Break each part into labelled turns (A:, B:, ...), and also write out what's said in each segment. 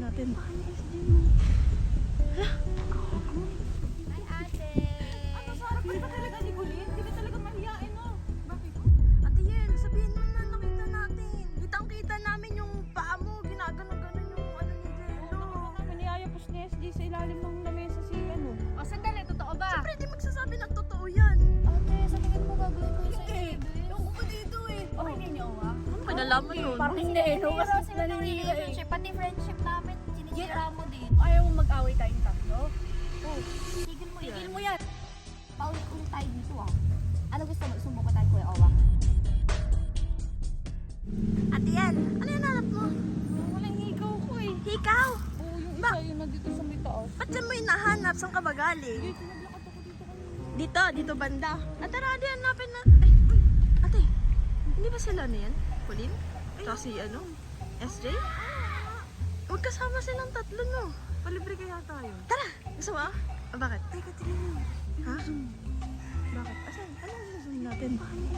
A: natin.
B: Hi, ate!
C: Ano, Sarah, ba't ba talaga ni Colleen? Hindi ka talaga mahiyain, no? Bakit?
A: Ate Yel, sabihin mo na nakita natin. Kitang-kita namin yung paa mo. Ginaganon-ganon yung ano ni Jello.
C: Naman niyayapos ni SG sa ilalim ng lamesa si ano.
B: O, sandali, totoo ba?
A: Siyempre, di magsasabi ng totoo yan.
B: Ate, sa tingin mo gagawin ko yung
A: Hindi. Yung ko pa dito eh.
B: Okay, hindi niyo, ah?
A: Ano ba nalaman yun?
B: Parang hindi, no? Kasi sila ng relationship, pati friendship namin, sinisira mo din.
C: Ayaw mo mag-away tayong tatlo?
B: Oh, tigil mo yan.
C: Tigil mo yan.
B: Paulit-ulit tayo dito, ah. Ano gusto mo? Sumuko tayo, Kuya Owa?
A: Ate Yel, ano yung hanap mo?
C: Walang higaw ko eh.
A: Hikaw?
C: Oo, yung isa yun nandito sa may taas.
A: Ba't dyan mo hinahanap? Saan ka ba galing?
C: Dito, naglakad ako dito kanina.
A: Dito banda. At tara, ate, hanapin na. Ay, uy, ate, hindi ba sila na yan? Colleen? Tsaka si ano? SJ? Magkasama silang tatlo, no?
C: Palibre kaya tayo.
A: Tara! Gusto mo? Ah, bakit?
C: Teka, tingnan mo.
A: Ha? Bakit? Asan? Anong susunod natin?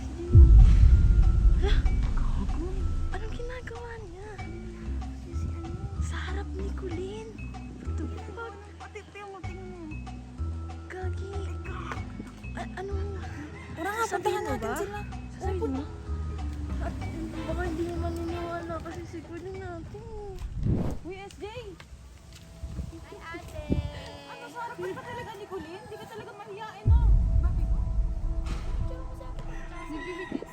A: Hala? Anong ginagawa niya? Sa harap ni Colleen. What the fuck?
C: Ate, tingnan mo.
A: Gagi. Ano?
C: Tara nga, puntahan natin sila.
A: Sasabihin mo? At baka hindi mo maniniwala kasi si Colleen natin.
C: Uy, SJ!
B: Hi, ate!
C: Ano, Sarah, ba't ba talaga ni Colleen? Hindi ka talaga mahiyain, no? Bakit? Nagbibitis.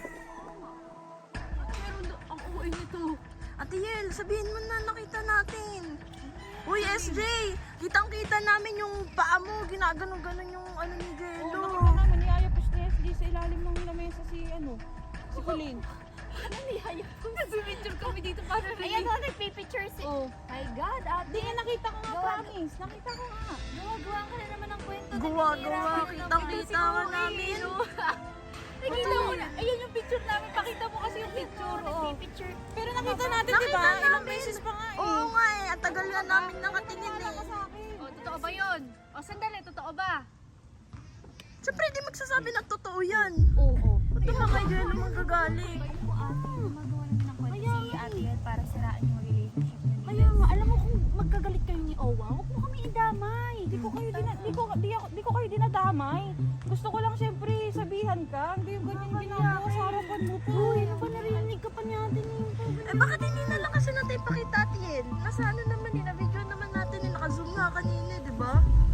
C: Meron daw, ang uwi nito.
A: Ate Yel, sabihin mo na nakita natin. Uy, SJ! Kitang-kita namin yung paa mo. Ginaganon-ganon yung ano ni
C: Oo,
A: Jello.
C: nakita namin, niyayapos ni SG sa ilalim ng lamesa si ano, si Colleen.
B: Ano niyaya? Nag-picture kami dito para rin. Ayan, nagpipicture si...
C: Oo.
B: My God, ate!
C: Hindi nga nakita ko nga,
B: Gawa-
C: promise. Nakita ko nga.
B: Gawa-gawa ka na naman ng kwento.
A: Gawa-gawa,
B: Naninira ka
A: kitang-kita ka namin.
B: Nakita mo na. Ayan yung picture namin. Pakita mo kasi yung picture. Oo. Nagpipicture.
C: Pero nakita natin, di
A: Nakita
C: ba? Ilang
A: namin.
C: beses pa nga eh.
A: Oo nga eh, ang tagal nga namin nakatingin
C: Wala ka
A: eh.
C: sa akin.
B: O, totoo ba yun? O, sandali, totoo ba?
A: Siyempre, di magsasabi ng totoo yan.
B: Oo.
A: Ba't naman kay Jello magagaling?
B: Ba't po ate, gumagawa naman ng kwento si ate yan para siraan yung relationship niyo.
C: Kaya nga, alam mo kung magkagalit kayo ni Owa, huwag mo kami idamay. Di ko kayo dinadamay. Gusto ko lang siyempre sabihan ka. Hindi yung ganyan ginagawa sa harapan mo po. Uy, ano ba narinig ka pa niya natin yung
A: Eh bakit hindi na lang kasi natin ipakita Ate Yel? Nasa ano naman eh, na-video naman natin eh, naka-zoom nga kanina, di ba?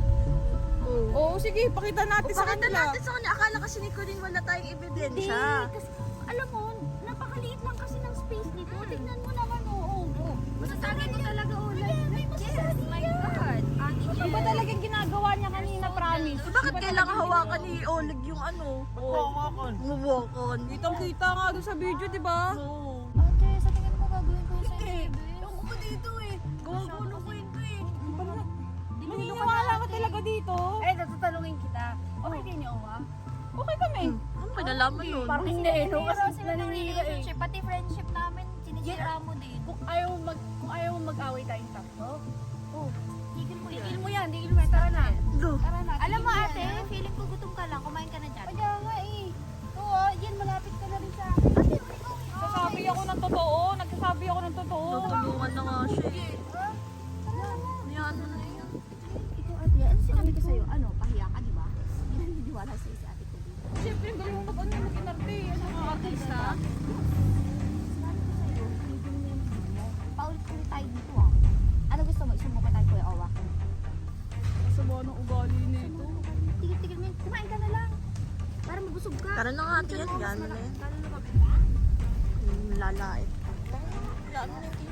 C: Oo, sige, pakita natin sa
A: Pakita
C: kanila.
A: natin sa kanya, akala kasi ni Colleen wala tayong ebidensya.
B: Kasi, alam mo, napakaliit lang kasi ng space nito. Tignan mo naman, oo. Masasabi ko talaga, oh, yes, my God. Ate,
C: Ano ba talagang ginagawa niya kanina, promise?
A: So bakit kailangan hawakan ni Oleg yung ano?
C: Hawakan.
A: Hawakan.
C: Kitang-kita nga doon sa video, di ba?
A: Oo.
B: ate, sa tingin mo gagawin ko yung sa'yo,
A: Eh,
B: babe?
A: yung ko dito eh. Gawa-gulo ko ito eh.
C: Naniniwala ka talaga dito.
B: Eh, natatanungin kita. Okay kayo niyo, Owa?
C: Okay kami.
A: Ano ba nalaman yun?
B: Parang hindi, no? Kasi sila ng relationship, pati friendship namin, sinisira mo din.
C: Kung ayaw mo mag-away tayong tatlo.
B: Oh, tigil mo yan.
C: Tigil mo yan, tigil mo yan. Tara na.
A: Do.
C: Tara na.
B: Alam mo
C: tigil
B: ate,
C: yan,
B: feeling ko gutom ka lang, kumain ka na dyan.
C: Kaya nga eh. Oo, yan, malapit ka na rin sa akin. Nagsasabi ako ng totoo. Nagsasabi ako ng totoo.
A: Tutulungan na nga siya eh. Yan.
B: Ikaw ate, ano sinabi ko sa'yo? Ano, pahiya ka, di ba? Hindi na naniniwala sa'yo si ate ko.
C: Siyempre, ang galing mo mag-inarte. Ano mga artista?
B: Sinabi ko sa'yo, tigil mo yung mo. Paulit-ulit tayo dito ah. Ano gusto mo? Isumuko tayo, Kuya Owa.
C: Sama ng ugali nito.
B: Tigil-tigil mo yun. Kumain ka na lang. Para mabusog ka.
A: Tara na nga Ate Yel, gano'n na yan.
B: Gano'n na kami.
A: Lalait. Lalo na yung